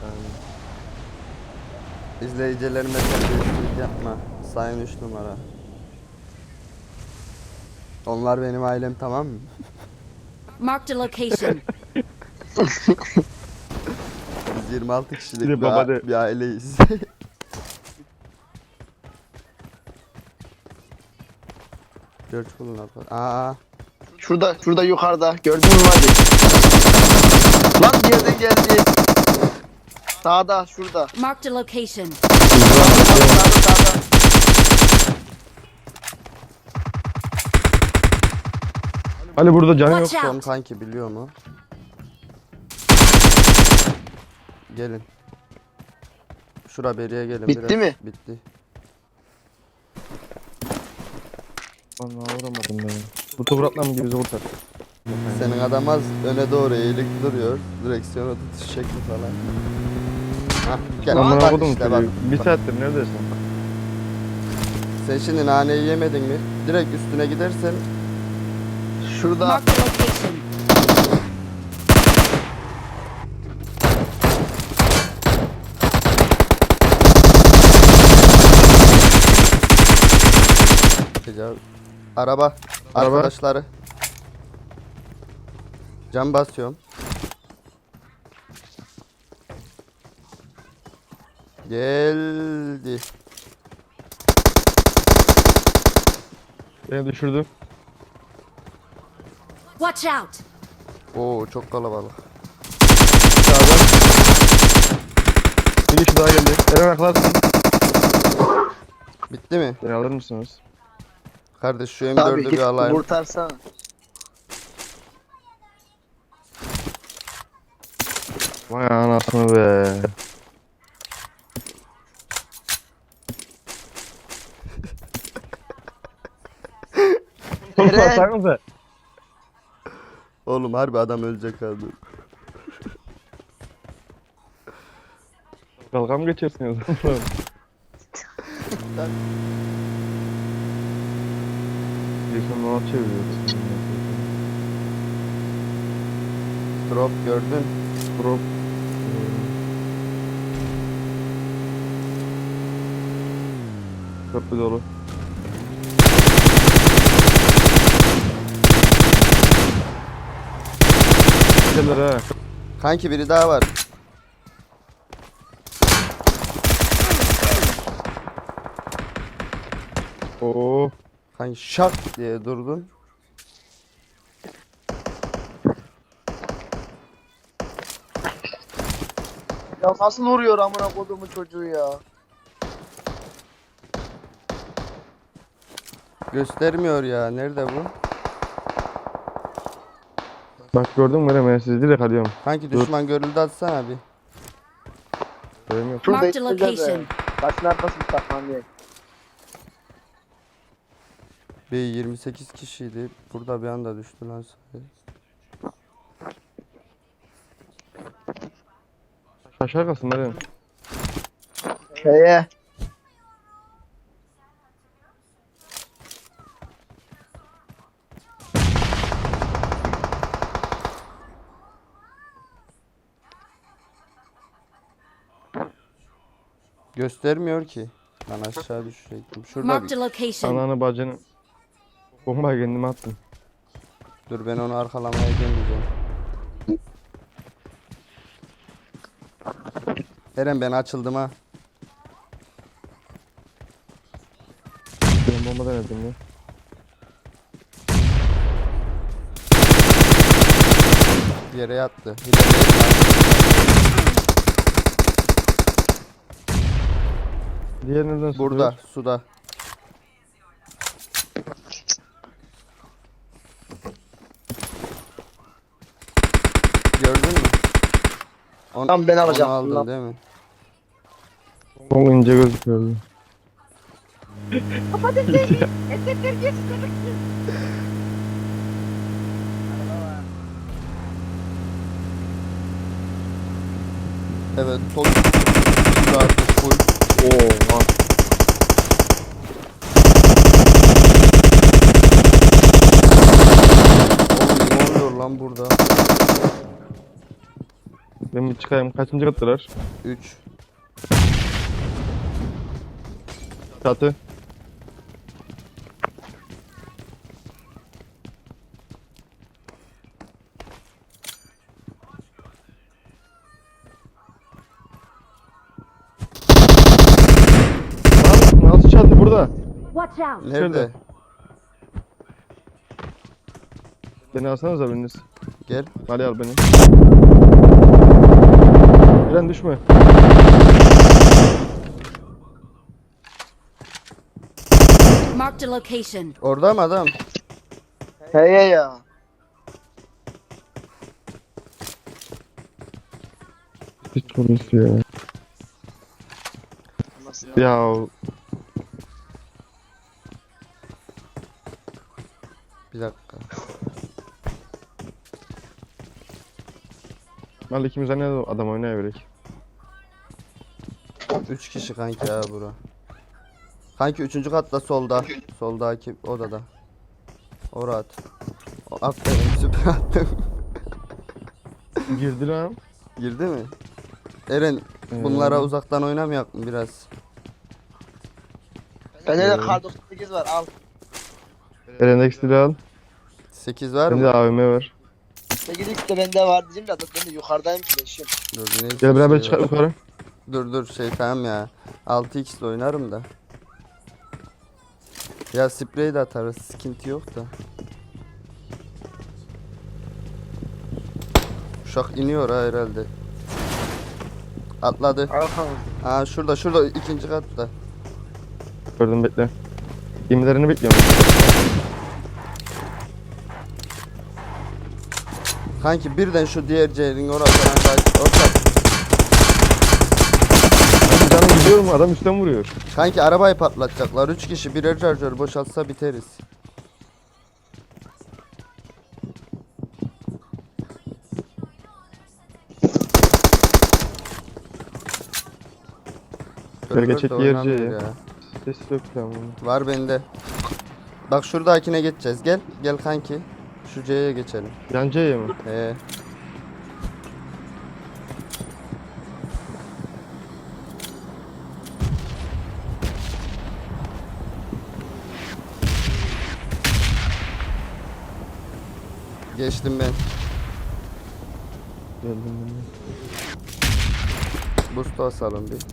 İzleyicilerime terbiyesizlik yapma. Sayın 3 numara. Onlar benim ailem, tamam mı? Marked a location. Biz 26 kişilik Bir de baba de. bir aileyiz. George Clooney yapar. Aa, Şurada yukarıda. Gördün mü hadi? Lan bir yerden geldi. Sağda şurada. Marked a location. Sağda. Ali burada canı yok. Watch son out. kanki biliyor mu? Gelin. Şura beriye gelin. Bitti biraz. mi? Bitti. Vallahi vuramadım ben. Bu toprakla mı gibi kurtar? Senin adam az öne doğru eğilik duruyor. Direksiyonu tutuş şekli falan. Hah, gel Amına bak kodum işte bak. çocuğu. Bir saattir neredesin? Sen şimdi naneyi yemedin mi? Direkt üstüne gidersen Şurada. Marked a location. tecavüz. Araba. Arkadaşları. Cam basıyorum. Geldi. Beni düşürdü. Watch out. Oo, çok kalabalık. Sağdan. Bir kişi daha geldi. Eren aklarsın. Bitti mi? Beni alır mısınız? Kardeş şu Abi M4'ü git bir alayım. kurtarsana. Vay anasını be. Eren. Baksanıza. Oğlum harbi adam ölecek abi. Dalga mı geçersiniz? Jason Noah çeviriyoruz. Drop gördün. Drop. Köprü dolu. Gelir ha. Kanki biri daha var. Oo. Kanki şak diye durdun. Ya nasıl vuruyor amına kodumun çocuğu ya? Göstermiyor ya. Nerede bu? Bak gördün mü Eren, ben sizi direkt alıyorum. Kanki Dur. düşman görüldü atsana bir. Görüyorum yok. Şurada Marked a içinde de. location. Başın arkasını takman diye. Bir 28 kişiydi. Burada bir anda düştü lan sayı. Aşağı kalsın Eren. Şeye. Göstermiyor ki. Ben aşağı düşecektim. Şurada Marked bir... a location. Ananı bacını. Bombayı kendime attım. Dur ben onu arkalamaya gelmeyeceğim. Eren ben açıldım ha. Ben bomba denedim ya. Yere yattı. Bir de Diğer nereden burada sıkıyor? suda. Gördün mü? Tamam, ben alacağım. Onu aldın Bundan. değil mi? Çok ince gözüküyordu. Evet, sol suda artık full. Oo. Oğlum ne oluyor lan burada? Ben bir çıkayım. Kaçıncı kattılar? 3. Çatı. Lan nasıl çatı burada? Watch out! Nerede? Beni alsanıza biriniz. Gel. Ali al beni. Eren düşme. Marked a location. Orada mı adam? Hey ya. Hiç konuşuyor ya. Nasıl ya? Ya Bir dakika. Ali ikimiz ne adam oynayabiliriz. 3 kişi kanki ya bura. Kanki 3. katta solda. Soldaki odada. Orada at. Aferin süper attım. Girdi lan. Girdi mi? Eren bunlara uzaktan oynamayak mı biraz? Bende de kar 98 var al. Eren ekstili al. 8 var Bende mı? AVM var. 8x de bende var diyeceğim de ben de yukarıdayım flash'im. Dur, neyse, Gel beraber şey çıkar var. yukarı. Dur şey tamam ya. 6x ile oynarım da. Ya sprey de atarız. Sıkıntı yok da. Uşak iniyor ha herhalde. Atladı. Arkam. Aa şurada 2. katta. Gördüm bekle. Gemilerini bekliyorum. Kanki birden şu diğer C'nin orasından kaç. Orta. Abi canım gidiyor mu? Adam üstten vuruyor. Kanki arabayı patlatacaklar. 3 kişi birer şarjör boşaltsa biteriz. Gerçek Server de yer oynamıyor C ya. Ses yok falan. Var bende. Bak şuradakine geçeceğiz. Gel kanki. Şu C'ye geçelim. Yan C'ye mi? Geçtim ben. Geldim. Boost basalım bir.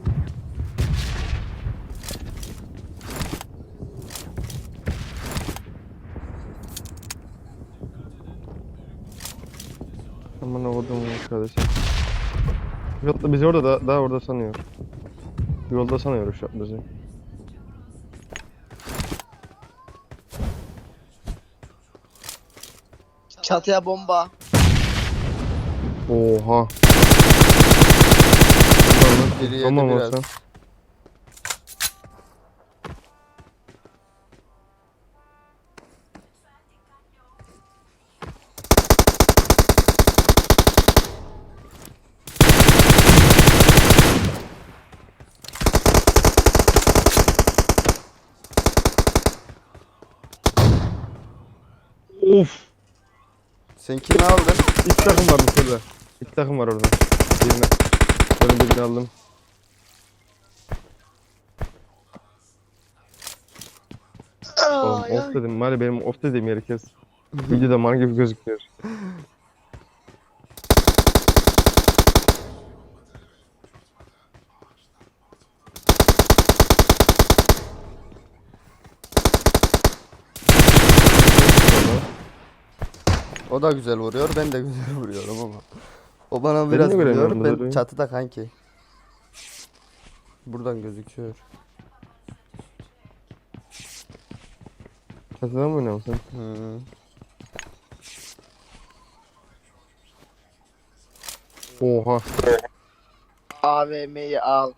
Aman oğlum kardeşim. Yolda bizi orada daha orada sanıyor. Yolda sanıyor şu an bizi. Çatıya bomba. Oha. Biri yedi Tamam biraz. olsan. Of. Sen kimi aldın? İki takım var burada. İki takım var orada. Birini aldım. Oğlum off dedim. Mali benim off dediğim yeri kes. Videoda man gibi gözüküyor. O da güzel vuruyor. Ben de güzel vuruyorum ama. O bana Ben biraz de göremiyorum vuruyor. Ben bunları. çatıda kanki. Buradan gözüküyor. Çatıdan mı oynuyorsun sen? Hı. Oha. AVM'yi al.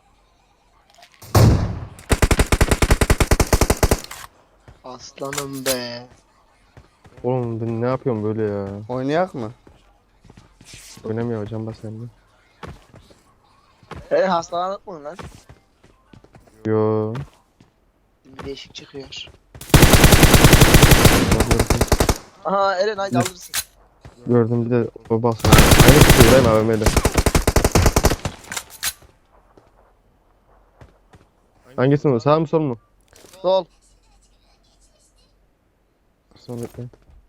Aslanım be. Oğlum ben ne yapıyorum böyle ya? Oynayak mı? Oynamıyor hocam bak sende. Hastalandık mı lan? Yo. Bir değişik çıkıyor. Gördüm. Aha Eren haydi alırsın. Gördüm bir de o basma. Aynı kişi vurayım AVM'yle. Hangisi mi? Sağ mı sol mu? Sol. Sol bekle.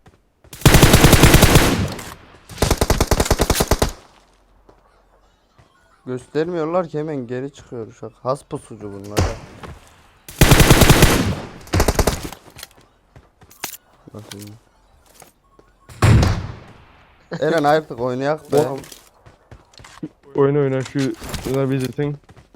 Göstermiyorlar ki hemen geri çıkıyor uşak. Has pusucu bunlar. Ha. Bakayım. Eren artık oynayak be. Oğlum. Oyna şu the visiting.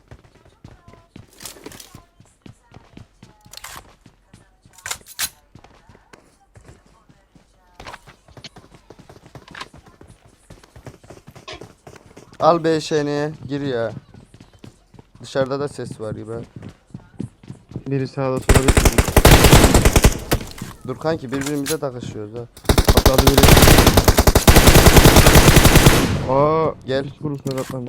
Al beşeni gir ya. Dışarıda da ses var gibi. Biri sağda sola bir Dur kanki birbirimize takışıyoruz ha. atladı biri. Aa Gel. hiç vurusuna katlandı.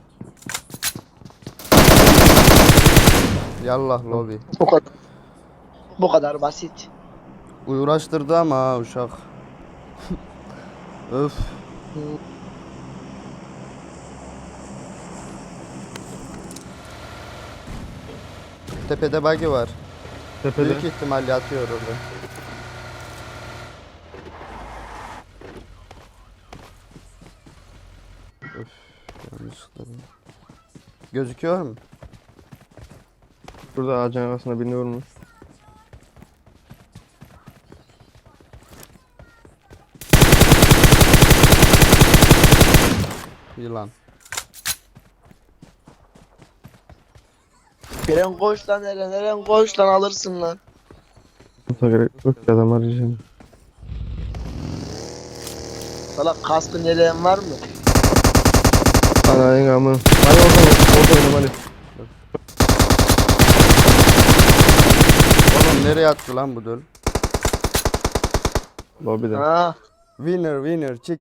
Yallah lobi. Bu kadar. Bu kadar basit. Uğraştırdı ama ha uşak. Öf. Tepede buggy var. Tepede. Büyük ihtimal yatıyor orada. Öf. Yanlışlıkla. Gözüküyor mu? Burada ağacın arasında birini vurmuş. Yılan. Eren koş lan Eren. Eren koş lan alırsın lan. Burada gerek yok ki adam arayacağım. Salak kaskın yeleğin var mı? Ana engamı. Hadi orada oynama hadi. Oğlum nereye attı lan bu döl? Lobide. Ha. Winner winner çık.